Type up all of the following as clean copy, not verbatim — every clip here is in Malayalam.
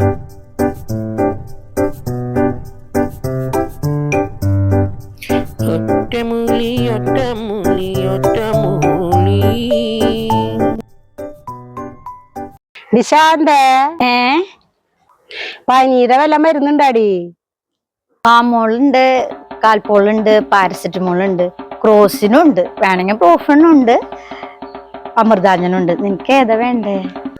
ഒറ്റമൂലി ഒറ്റമൂലി ഒറ്റമൂലി. നിശാന്തേ പനീരെ വല്ല മരുന്നുണ്ടാടി? പാമോളുണ്ട്, കാൽപോളുണ്ട്, പാരസെറ്റമോളുണ്ട്, ക്രോസിനുണ്ട്, വേണമെങ്കിൽ പ്രോഫനുണ്ട്, അമൃതാഞ്ജനുണ്ട്. നിനക്ക് ഏതാ വേണ്ടേ?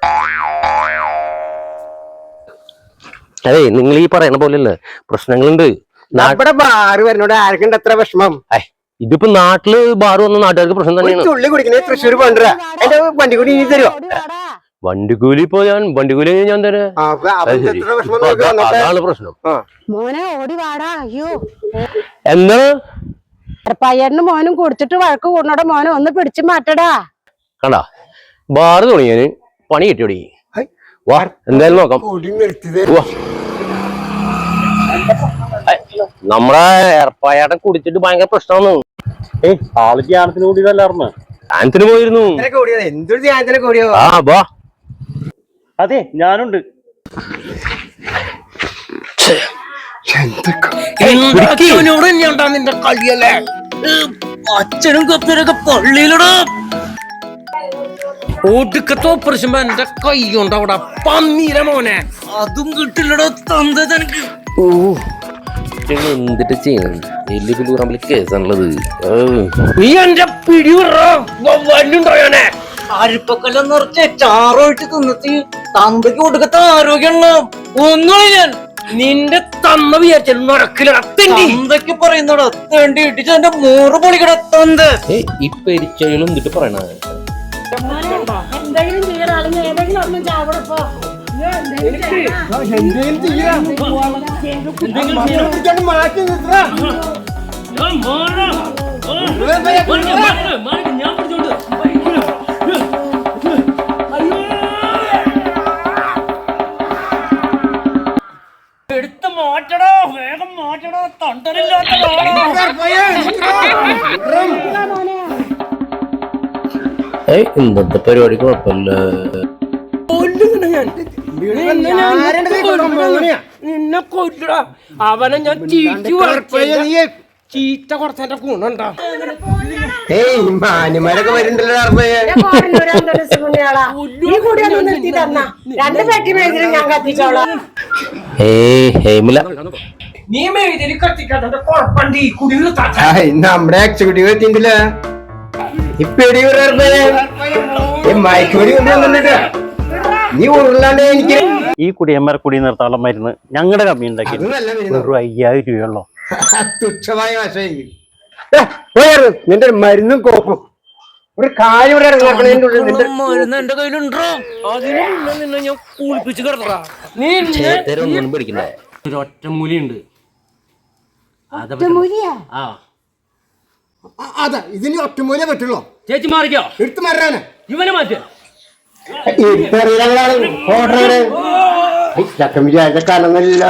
അതെ, നിങ്ങൾ ഈ പറയണ പോലെയല്ലേ പ്രശ്നങ്ങളുണ്ട്. നമ്മുടെ ബാറ് വരുന്നോട് ആർക്കുണ്ട് എത്ര വിഷമം? ഇതിപ്പോ നാട്ടില് ബാറ് വന്ന നാട്ടുകാർക്ക് പ്രശ്നം തന്നെയാണ്. തുള്ളി കുടിക്കണേ തൃശ്ശൂർ കൊണ്ടുവരാ. എന്റെ വണ്ടിക്കൂലി നീ തരുമോ? വണ്ടിക്കൂലി ഇപ്പൊ വണ്ടിക്കൂലി ഞാൻ തരാം. അതാണ് പ്രശ്നം. മോനെ ഓടി വാടാ. അയ്യോ എന്താ പയ്യനും മോനും കുടിച്ചിട്ട് വഴക്ക് കൂടണോടെ മോനെ ഒന്ന് പിടിച്ചു മാറ്റടാ. കണ്ടാ ബാറ് തുടങ്ങിയാന് പണി കിട്ടിയോടി. വാ എന്തായാലും നോക്കാം. നമ്മളെ ഏർപ്പായാട്ടം കുടിച്ചിട്ട് ഭയങ്കര പ്രശ്നമാണ്. ആള് ധ്യാനത്തിന് കൂടിയതല്ലാർന്ന്. ധ്യാനത്തിന് പോയിരുന്നു. എന്തൊരു ധ്യാനത്തിനെ കൂടിയോ? ആ ബാ. അതെ ഞാനുണ്ട്. നിന്റെ കളിയല്ലേ? അച്ഛനും കപ്പനൊക്കെ പള്ളിയിലടാ. ഒടുക്കത്തെ ഓപ്പറേഷൻ എന്റെ കൈ കൊണ്ട് അവിടെ പന്നീര മോനെ. അതും കിട്ടില്ലടോ തന്ത തനിക്ക്. ഓ എന്തിട്ട് ചെയ്യണം? വലിയ പുല്ലൂറമ്പിൽ കേസാണുള്ളത്. നീ എന്റെ പിടിയോനെ അരിപ്പക്കെല്ലാം നിറച്ച് ചാറോയിട്ട് തിന്നിട്ട് തന്തയ്ക്ക് കൊടുക്കത്ത ആരോഗ്യമുള്ള ഒന്നുമില്ല. നിന്റെ തന്ന വിചാരിച്ചാൽ നടക്കില്ലടത്തേക്ക് പറയുന്നടാ. തേണ്ടി ഇട്ടിച്ച് എന്റെ 100 പൊളിക്കട തന്ത. ഈ പെരിച്ചകളും എന്നിട്ട് പറയണ എടുത്ത് മാറ്റടോ, വേഗം മാറ്റടോ. തണ്ടനില്ലാത്ത ഇന്നത്തെ പരിപാടി കുഴപ്പമില്ല. നിന്നെ കൊല്ലടാ. അവനെ ഞാൻ ചീത്ത കുറച്ചെന്റെ ഗുണുണ്ടോ? മാന്യന്മാരൊക്കെ വരുന്നുണ്ടല്ലോ. നീ മേതിരി കത്തിക്കാത്ത കുഴപ്പണ്ട്. ഈ കുടി നമ്മുടെ എക്സിക്യൂട്ടീവ് എത്തിയിട്ടില്ല. നീ ഉരുളാണ്ട് എനിക്ക് ഈ കുടിയന്മാരെ കുടി നിർത്താനുള്ള മരുന്ന് ഞങ്ങളുടെ കമ്മി ഉണ്ടാക്കി 5000 രൂപയുള്ളൂ. തുച്ഛമായ വശം. നിന്റെ മരുന്നും കോപ്പും ഒരു കാര്യം മരുന്ന് എന്റെ കയ്യിലുണ്ടോ? അതിന് നിന്നെ ഞാൻ കുളിപ്പിച്ച് കിടന്നടാ. നീ പിടിക്കണ്ടേ? ഒരു ഒറ്റമൂലിയുണ്ട്. അതാ ഇതിന് ഒറ്റമൂല പറ്റുള്ളൂ. ചേച്ചി മാറിക്കോ. എടുത്ത് മാറാനാ ഇവനെ മാറ്റി. ചക്കം വിചാരിച്ച കാലമല്ല.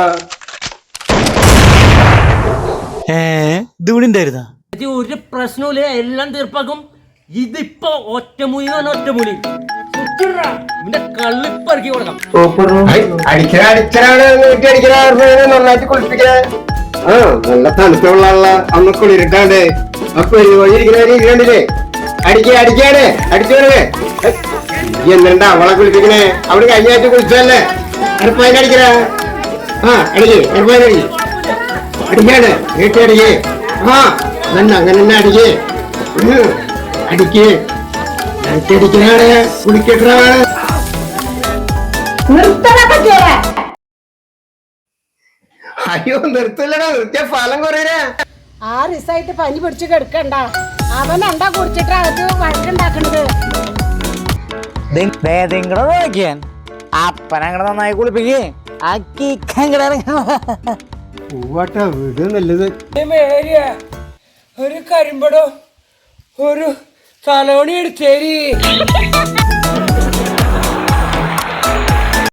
ഒരു പ്രശ്നമില്ല, എല്ലാം തീർപ്പാക്കും. ഇതിപ്പോ ഒറ്റമൂലി ഒറ്റമൂലി കള്ളിപ്പറക്കി കൊടുക്കാം. നന്നായിട്ട് കുളിപ്പിക്കണ. നല്ല തണുത്തുള്ള അന്ന് കുളിരിട്ടാണ്ട് അപ്പൊ ഇരിക്കണ്ടില്ലേ? അടിക്കാണ് അടിച്ചോടേ. എന്നിട്ട് അവളെ കുളിപ്പിക്കണേ. അവിടെ കഴിഞ്ഞ ആഴ്ച കുളിച്ചതല്ലേ? അടുപ്പതിന് അടിക്കണ. അടുപ്പതിന് അടിക്കാണ് വീട്ടടിക്കേ. അങ്ങനെ തന്നെ അടിക്കേ. അടിക്കണാണ് കുളിക്കട്ടാണ്. അയ്യോ നിർത്തില്ലടാ. നിർത്തിയ ഫലം കുറയേ. 6 ദിവസമായിട്ട് പനി പിടിച്ച് കിടക്കണ്ട. അവൻ എന്താ കുടിച്ചിട്ട് അകത്ത് വഴക്കുണ്ടാക്കണത്? നോക്കിയാൻ അപ്പനങ്ങടെ നന്നായി കുളിപ്പിക്കേ. വീട് നല്ലത്. ഒരു കരിമ്പടോ ഒരു തലോണി എടുത്തേരി.